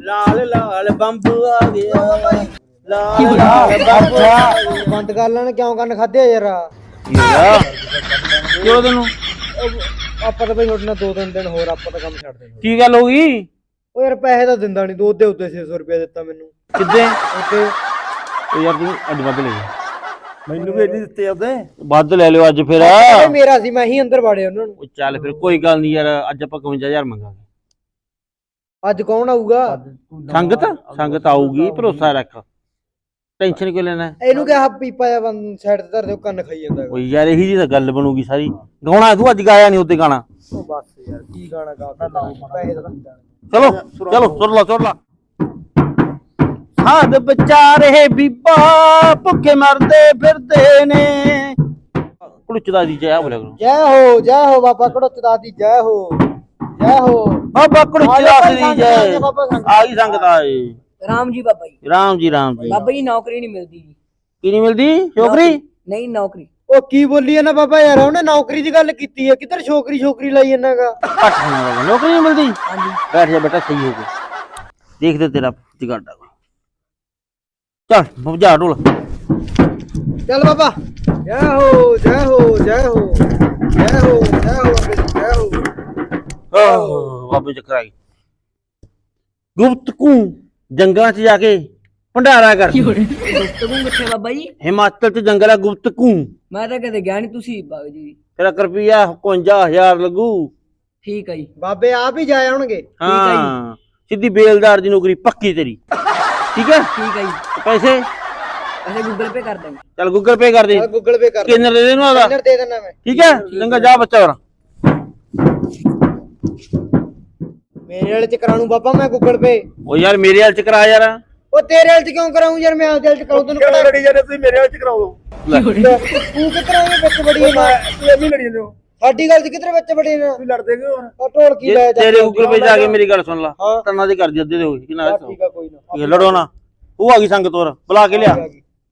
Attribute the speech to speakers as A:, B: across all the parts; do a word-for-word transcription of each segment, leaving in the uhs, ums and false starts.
A: ਲਾਲ ਲਾਲ bomb ਆ ਗਿਆ ਲਾਲ ਲਾਲ bomb
B: ਅੱਛਾ ਬੰਦ ਕਰ ਲੈਣ ਕਿਉਂ ਕੰਨ ਖਾਦੇ ਯਾਰ
A: ਕੀ ਹੋਇਆ ਕਿਉਂ ਤੈਨੂੰ
B: ਆਪਾਂ ਤਾਂ ਬਈ ਤੁਹਾਡੇ ਨਾਲ ਦੋ ਤਿੰਨ ਦਿਨ ਹੋਰ ਆਪਾਂ ਤਾਂ ਕੰਮ ਛੱਡ ਦੇਣਾ
A: ਕੀ ਗੱਲ ਹੋ ਗਈ
B: ਉਹ ਯਾਰ ਪੈਸੇ ਤਾਂ ਦਿੰਦਾ ਨਹੀਂ ਦੋ ਦੇ ਉੱਤੇ ਛੇ ਸੌ ਰੁਪਇਆ ਦਿੱਤਾ ਮੈਨੂੰ
A: ਕਿੱਦੇ
B: ਉੱਤੇ
A: ਉਹ ਯਾਰ ਤੂੰ ਅੱਜ ਵੱਧ ਲੈ ਜਾ
B: ਮੈਨੂੰ ਵੀ ਨਹੀਂ ਦਿੱਤੇ ਉਹਦੇ
A: ਵੱਧ ਲੈ ਲਿਓ ਅੱਜ ਫਿਰ
B: ਮੇਰਾ ਸੀ ਮੈਂ ਹੀ ਅੰਦਰ ਵਾੜਿਆ ਉਹਨਾਂ ਨੂੰ
A: ਉਹ ਚੱਲ ਫਿਰ ਕੋਈ ਗੱਲ ਨਹੀਂ ਯਾਰ ਅੱਜ ਆਪਾਂ ਇਕਵੰਜਾ ਹਜ਼ਾਰ ਮੰਗਾਂਗੇ
B: ਅੱਜ ਕੌਣ ਆਊਗਾ
A: ਸੰਗਤ ਸੰਗਤ ਆਊਗੀ ਭਰੋਸਾ ਰੱਖ ਟੈਨਸ਼ਨ ਕਿਉਂ ਲੈਣਾ
B: ਇਹਨੂੰ ਕਿਹਾ ਪੀਪਾ ਜਾਂ ਬੰਦ ਸਾਈਡ ਤੇ ਧਰ ਦਿਓ ਕੰਨ ਖਾਈ ਜਾਂਦਾ
A: ਓ ਯਾਰ ਇਹੀ ਜੀ ਤਾਂ ਗੱਲ ਬਣੂਗੀ ਸਾਰੀ ਗਾਉਣਾ ਤੂੰ ਅੱਜ ਗਾਇਆ ਨਹੀਂ ਉੱਤੇ ਗਾਣਾ
B: ਉਹ ਬਸ ਯਾਰ ਕੀ ਗਾਣਾ ਗਾਉਂਦਾ ਲਾਓ ਪੈਸੇ ਤਾਂ
A: ਚਲੋ ਚਲੋ ਸੁਰ ਲਾ ਸੁਰ ਲਾ ਸਾਧ ਵਿਚਾਰੇ ਬੀਬਾ ਭੁੱਖੇ ਮਰਦੇ ਫਿਰਦੇ ਨੇ ਕੁੜਚਦਾ ਦੀ ਜੈ ਬੋਲਿਆ ਕਰੋ
B: ਜੈ ਹੋ ਜੈ ਹੋ ਬਾਬਾ ਕੜੋਚਦਾ ਦੀ ਜੈ ਹੋ ਜੈ ਹੋ
A: ਬਾਬਾ ਕੁੜਚਦਾ ਦੀ ਜੈ ਆ ਗਈ ਸੰਗਤ ਆਏ
C: राम जी बाबा जी
A: ਰਾਮ ਜੀ ਰਾਮ ਜੀ
C: बाबा जी नौकरी नहीं मिलती जी
A: ਕੀ ਨਹੀਂ ਮਿਲਦੀ ਛੋਕਰੀ
C: नहीं नौकरी
B: ਉਹ ਕੀ ਬੋਲੀ ਨਾ ਬਾਬਾ ਯਾਰ ਉਹਨੇ ਨੌਕਰੀ ਦੀ ਗੱਲ ਕੀਤੀ ਹੈ ਕਿੱਧਰ ਛੋਕਰੀ ਛੋਕਰੀ ਲਾਈ ਜਾਂਦਾਗਾ
A: ਘੱਟ ਹੋਣਾ ਬਾਬਾ ਨੌਕਰੀ ਨਹੀਂ ਮਿਲਦੀ
C: हाँ जी
A: ਬੈਠ ਜਾ ਬੇਟਾ ਸਹੀ ਹੋ ਗਿਆ ਦੇਖਦੇ ਤੇਰਾ ਜਗਾੜਾ ਚੱਲ ਬੁਝਾ ਢੋਲ
B: ਚੱਲ ਬਾਬਾ ਜੈ ਹੋ ਜੈ ਹੋ ਜੈ ਹੋ ਜੈ ਹੋ ਜੈ ਹੋ ਜੈ ਹੋ
A: ਆਹ ਬਾਬੇ ਚੱਕਰ ਆ ਗਈ ਗੁਪਤਕੂ ਜੰਗਲਾਂ 'ਚ ਜਾ ਕੇ ਭੰਡਾਰਾ ਕਰ
C: गुफ्तगू किथे बाबा जी
A: ਹਿਮਾਚਲ 'ਚ ਜੰਗਲ ਆ ਗੁਪਤਕੂ
C: मैं तो कदे गया नहीं तुसी बाबा जी
A: ਤੇਰਾ ਰੁਪਿਆ ਇਕਵੰਜਾ ਹਜ਼ਾਰ ਲੱਗੂ
C: ठीक है जी
B: ਬਾਬੇ ਆਪ ਹੀ ਜਾ ਆਉਣਗੇ
A: ਹਾਂ ਸਿੱਧੀ ਬੇਲਦਾਰ ਦੀ ਨੌਕਰੀ ਪੱਕੀ ਤੇਰੀ ਠੀਕ ਹੈ
C: ठीक है जी
A: ਪੈਸੇ
C: ऐसे गूगल पे कर देंगे
A: ਚੱਲ ਗੂਗਲ ਪੇ ਕਰ ਦੇ
B: ਗੂਗਲ ਪੇ ਕਰ
A: ਕਿੰਨੇ ਦੇ ਦੇ ਨੂੰ ਆਦਾ
B: ਸਕੈਨਰ ਦੇ ਦੇਣਾ ਮੈਂ
A: ਠੀਕ ਹੈ ਚੰਗਾ ਜਾ ਬੱਚਾ ਹੋਰ
B: ਮੇਰੇ ਵਾਲੇ ਚ ਕਰਾ ਲੂੰ ਬਾਬਾ ਮੈਂ ਗੂਗਲ ਪੇ
A: ਉਹ ਯਾਰ ਮੇਰੇ ਹਾਲ ਚ ਕਰਾ ਯਾਰ
B: ਉਹ ਤੇਰੇ ਵਾਲੇ ਚ ਕਿਉਂ ਕਰਾਉਂ ਯਾਰ ਮੈਂ ਆਪਦੇ ਵਾਲੇ ਚ ਕਰਾਉਂ ਤੈਨੂੰ ਕਿਹੜਾ ਲੜੀ ਜਾਂਦੇ ਤੁਸੀਂ ਮੇਰੇ ਵਾਲੇ ਚ ਕਰਾਓ
A: ਲੈ।
B: ਤੂੰ ਕਿੱਧਰ ਆਏ ਵਿੱਚ ਬੜੀ ਨਾ ਤੂੰ ਐਵੇਂ ਲੜੀ ਜਾਂਦੇ ਹੋ ਸਾਡੀ ਗੱਲ ਚ ਕਿੱਧਰ ਵਿੱਚ ਬੜੀ ਨਾ ਤੂੰ ਲੜਦੇ ਕਿਉਂ ਹੋਰ ਢੋਲ ਕੀ ਲੈ
A: ਜੇ ਤੇਰੇ ਗੂਗਲ ਪੇ ਜਾ ਕੇ ਮੇਰੀ ਗੱਲ ਸੁਣ ਲਾ ਤੰਨਾ ਦੇ ਕਰ ਦੇ ਅੱਧੇ ਦੇ ਹੋਈ ਕਿੰਨਾ
B: ਠੀਕ ਆ ਕੋਈ ਨਾ
A: ਇਹ ਲੜੋ ਨਾ ਉਹ ਆ ਗਈ ਸੰਗਤ ਹੋਰ ਬੁਲਾ ਕੇ ਲਿਆ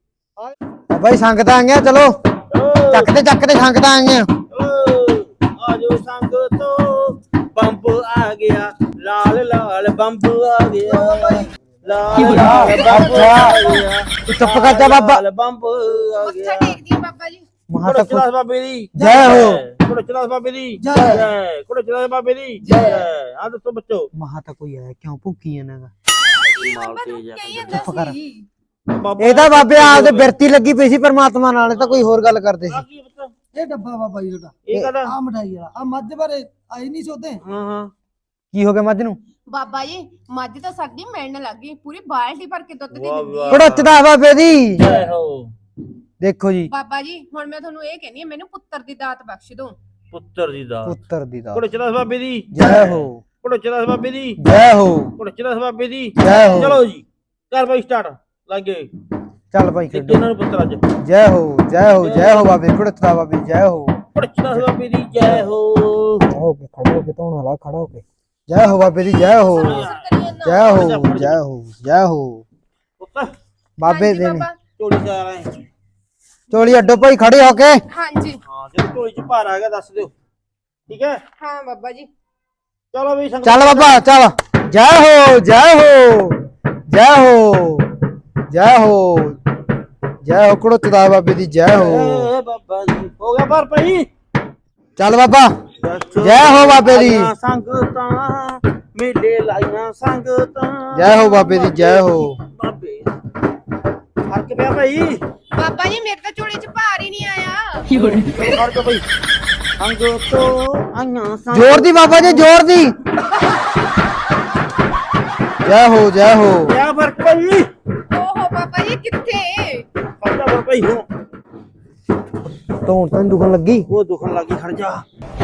B: ਬਾਈ ਸੰਗਤ ਆ ਗਿਆ ਚਲੋ ਚੱਕਦੇ ਚੱਕਦੇ ਸੰਗਤ ਆ ਗਈਆਂ
A: ਆਜੋ ਸੰਗਤੋ ਬੰਬ ਆ ਗਿਆ ਲਾਲ ਲਾਲ ਬੰਬ ਆ ਗਿਆ ਲਾਲ ਲਾਲ ਬੰਬ ਆ ਗਿਆ
B: ਤੂੰ ਚੁੱਪ ਕਰ ਜਾ ਬਾਬਾ
A: ਲਾਲ ਬੰਬ ਆ ਗਿਆ
D: ਟੇਕਦੀ ਆ ਬਾਬਾ ਜੀ
B: ਮਹਾ
A: ਕੁੜੇ ਚਲਾਸ ਬਾਬੇ ਦੀ
B: ਜੈ ਹੋ
A: ਕੁੜੇ ਚਲਾਸ ਬਾਬੇ ਦੀ
B: ਜੈ।
A: ਜੈ ਕੁੜੇ ਚਲਾਸ ਬਾਬੇ ਦੀ ਜੈ ਆ ਦੱਸੋ ਬੱਚੋ
B: ਮਹਾ ਤਾਂ ਕੋਈ ਆਇਆ ਕਿਉਂ ਭੁੱਕੀ ਜਾਂਦਾਗਾ
A: ਮਾਲ ਤੇ ਜਾ
D: ਕਹੀ
A: ਕੇ
D: ਜਾਂਦਾ
B: ਕਰ।
D: ਸੀ
B: ਇਹ ਤਾਂ ਬਾਬੇ ਆਪਦੇ ਬਿਰਤੀ ਲੱਗੀ ਪਈ ਸੀ ਪਰਮਾਤਮਾ ਨਾਲ ਇਹ ਤਾਂ ਕੋਈ ਹੋਰ ਗੱਲ ਕਰਦੇ ਸੀ
A: ਕੀ ਪਤਾ
E: ਇਹ ਡੱਬਾ ਬਾਬਾ ਜੀ ਤੁਹਾਡਾ
A: ਇਹ ਕਹਦਾ
E: ਆ ਮਠਾਈ ਵਾਲਾ ਆ ਮੱਝ ਬਾਰੇ ਆਈ ਨਹੀਂ ਸੋਦੇ
A: ਹਾਂ ਹਾਂ
B: ਕੀ ਹੋ ਗਿਆ ਮੱਝ ਨੂੰ
D: ਬਾਬਾ ਜੀ ਮੱਝ ਤਾਂ ਸਾਡੀ ਮਿਲਣ ਲੱਗੀ ਪੂਰੀ ਬਾਲਟੀ ਭਰ ਕੇ ਦੁੱਧ ਦੀ
A: ਵਾਹ
D: ਦਿੰਦੀ
A: ਵਾਹ।
D: ਹੈ
B: ਕੜੋਚਦਾ ਬਾਬੇ ਦੀ
A: ਜੈ ਹੋ
B: ਦੇਖੋ ਜੀ
D: ਬਾਬਾ ਜੀ ਹੁਣ ਮੈਂ ਤੁਹਾਨੂੰ ਇਹ ਕਹਿੰਨੀ ਆ ਮੈਨੂੰ ਪੁੱਤਰ ਦੀ ਦਾਤ ਬਖਸ਼ ਦਿਓ
A: ਪੁੱਤਰ ਦੀ ਦਾ
B: ਪੁੱਤਰ ਦੀ ਦਾ
A: ਕੁੜੇ ਚਲਾਸ ਬਾਬੇ ਦੀ
B: ਜੈ ਹੋ
A: ਕੁੜੇ ਚਲਾਸ ਬਾਬੇ ਦੀ
B: ਜੈ ਹੋ
A: ਕੁੜੇ ਚਲਾਸ ਬਾਬੇ ਦੀ
B: ਜੈ ਹੋ
A: ਚਲੋ ਜੀ ਕਰ ਬਾਈ ਸਟਾਰਟ ਲੱਗੇ
B: ਚੱਲ ਭਾਈ
A: ਤੇ
B: ਖੇਡੋ
A: ਇਹਨਾਂ ਨੂੰ ਪੁੱਤਰ ਅੱਜ
B: ਜੈ ਹੋ ਜੈ ਹੋ ਜੈ ਹੋ ਬਾਬੇ ਕੜੋਚਦਾ ਬਾਬੇ ਜੈ ਹੋ
A: ਕੁੜੇ ਚਲਾਸ ਬਾਬੇ ਦੀ ਜੈ ਹੋ
B: ਹੋ ਕੇ ਖੜੇ ਹੋ ਕੇ ਧੋਣ ਵਾਲਾ ਖੜਾ ਹੋ ਕੇ ਜੈ ਹੋ ਬਾਬੇ ਦੀ ਜੈ ਹੋ ਜੈ ਹੋ ਜੈ ਹੋ ਜੈ ਹੋ
A: ਪੁੱਤ
B: ਬਾਬੇ ਦੇ ਨੇ
D: ਬਾਬਾ
A: ਝੋਲੀ ਚ ਆ ਰਹੇ
B: ਚੋਲੀ ਅੱਡੋ ਭਾਈ ਖੜੇ ਹੋ ਕੇ
D: ਹਾਂਜੀ
A: ਹਾਂ ਜੇ ਝੋਲੀ ਚ ਭਾਰ ਆ ਗਿਆ ਦੱਸ ਦਿਓ ਠੀਕ ਹੈ
D: ਹਾਂ ਬਾਬਾ ਜੀ
A: ਚਲੋ ਵੀ ਸੰਗਤ
B: ਚੱਲ ਬਾਬਾ ਚੱਲ ਜੈ ਹੋ ਜੈ ਹੋ ਜੈ ਹੋ ਜੈ ਹੋ ਜੈ ਹੋ ਕੜੋਚਦਾ ਬਾਬੇ ਦੀ ਜੈ ਹੋ
A: ਏ ਬਾਬਾ ਜੀ ਹੋ ਗਿਆ ਭਾਰ ਭਾਈ
B: ਚੱਲ ਬਾਬਾ ਜੈ ਹੋ ਬਾਬੇ ਦੀ
A: ਲਾਈਆਂ ਸੰਗਤਾਂ ਮੇਲੇ ਲਾਈਆਂ ਸੰਗਤਾਂ
B: ਜੈ ਹੋ ਬਾਬੇ ਦੀ ਜੈ ਹੋ
A: ਬਾਬੇ ਫਰਕ ਪਿਆ ਭਾਈ
D: ਬਾਬਾ ਜੀ ਮੇਰੇ ਤਾਂ ਝੋਲੀ 'ਚ ਭਾਰ ਹੀ ਨਹੀਂ ਆਇਆ
A: ਚਲੋ ਫਰਕ ਭਾਈ ਸੰਗਤੋਂ ਆਈਆਂ ਸੰਗ
B: ਜ਼ੋਰ ਦੀ ਬਾਬਾ ਜੀ ਜ਼ੋਰ ਦੀ ਜੈ ਹੋ ਜੈ ਹੋ
A: ਪਿਆ ਫਰਕ ਭਾਈ
D: ਓਹੋ ਬਾਬਾ ਜੀ ਕਿੱਥੇ
A: ਫਰਕ ਫਰਕ ਭਾਈ ਹੋ
B: ਧੌਣ ਤਾਂ ਨੀ ਦੁਖਣ ਲੱਗੀ
A: ਉਹ ਦੁਖਣ ਲੱਗੀ ਖੜ ਜਾ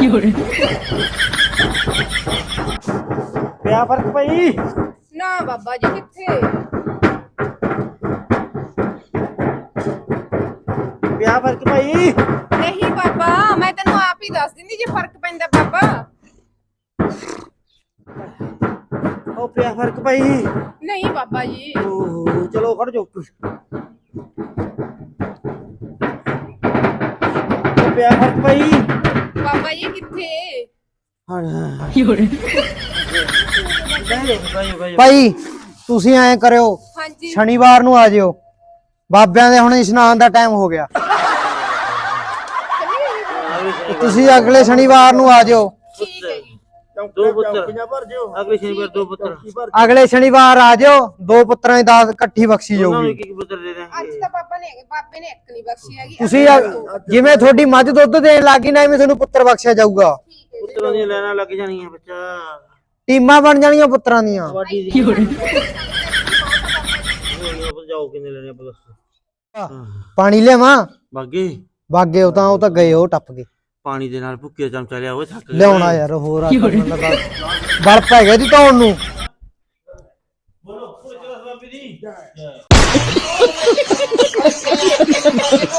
A: ਪਿਆ ਫਰਕ ਭਾਈ
D: ਨਾ ਬਾਬਾ ਜੀ ਕਿੱਥੇ
A: ਪਿਆ ਫਰਕ ਭਾਈ
D: ਨਹੀਂ ਬਾਬਾ ਮੈਂ ਤੈਨੂੰ ਆਪ ਹੀ ਦੱਸ ਦਿੰਦੀ ਜੇ ਫਰਕ ਪੈਂਦਾ ਬਾਬਾ
A: ਉਹ ਪਿਆ ਫਰਕ ਭਾਈ
D: ਨਹੀਂ ਬਾਬਾ ਜੀ
A: ਓਹ ਚਲੋ ਖੜ ਜਾਓ ਉਹ ਪਿਆ ਫਰਕ ਭਾਈ
D: ਬਾਬਾ ਜੀ ਕਿੱਥੇ
A: ਹਾਂ
B: ਭਾਈ ਤੁਸੀਂ ਐਂ ਕਰਿਓ
D: ਹਾਂਜੀ
B: ਸ਼ਨੀਵਾਰ ਨੂੰ ਆ ਜਿਓ ਬਾਬਿਆਂ ਦੇ ਹੁਣ ਇਸ਼ਨਾਨ ਦਾ ਟਾਈਮ ਹੋ ਗਿਆ ਤੁਸੀਂ ਅਗਲੇ ਸ਼ਨੀਵਾਰ ਨੂੰ ਆ ਜਿਓ
D: ਠੀਕ ਹੈ ਜੀ
A: ਦੋ ਪੁੱਤਰ ਅਗਲੇ ਸ਼ਨੀਵਾਰ ਦੋ ਪੁੱਤਰ
B: ਅਗਲੇ ਸ਼ਨੀਵਾਰ ਆ ਜਿਓ ਦੋ ਪੁੱਤਰਾਂ ਦੀ ਦਾਤ ਇਕੱਠੀ ਬਖਸ਼ੀ
A: ਉਹਨਾਂ ਨੂੰ
B: ਜਾਊਗੀ
A: ਇੱਕ ਇੱਕ ਪੁੱਤਰ ਦੇ
D: ਅੱਜ
A: ਦਾਂਗੇ
D: ਤਾਂ ਪਾਪਾ ਨੇ ਬਾਬੇ ਨੇ ਇੱਕ ਨਹੀਂ ਬਖਸ਼ੀ ਹੈਗੀ
B: ਤੁਸੀਂ ਅ- ਜਿਵੇਂ ਤੁਹਾਡੀ ਮੱਝ ਦੁੱਧ ਦੇਣ ਲੱਗੀ ਨਾ ਐਵੇਂ ਤੁਹਾਨੂੰ ਪੁੱਤਰ ਬਖਸ਼ਿਆ ਜਾਊਗਾ
A: ਪੁੱਤਰਾਂ ਦੀਆਂ ਲੈਣਾ ਲੱਗ ਜਾਣੀਆਂ ਬੱਚਾ
B: ਟੀਮਾਂ ਬਣ ਜਾਣੀਆਂ ਪੁੱਤਰਾਂ ਦੀਆਂ
A: ਕਬੱਡੀ ਦੀ ਜਾਓ ਕਿੰਨੇ ਲੈਣੇ ਆਪਾਂ ਦੱਸੋ
B: ਪਾਣੀ ਲਿਆਵਾਂ
A: ਬਾਗੇ
B: ਬਾਗੇ ਉਹ ਤਾਂ ਉਹ ਤਾਂ ਗਏ ਉਹ ਟੱਪ ਗਏ
A: ਪਾਣੀ ਦੇ ਨਾਲ ਭੁੱਕੇ ਚਮਚਾ ਲਿਆ ਉਹ ਥੱਕ ਗਏ
B: ਲਿਆਉਣਾ ਯਾਰ ਹੋਰ ਆ ਬਲ ਪੈ ਗਿਆ ਜੀ ਧੌਣ ਨੂੰ
A: ਬੋਲੋ ਕੋਈ ਚਲਾ ਬਾਬੀ ਦੀ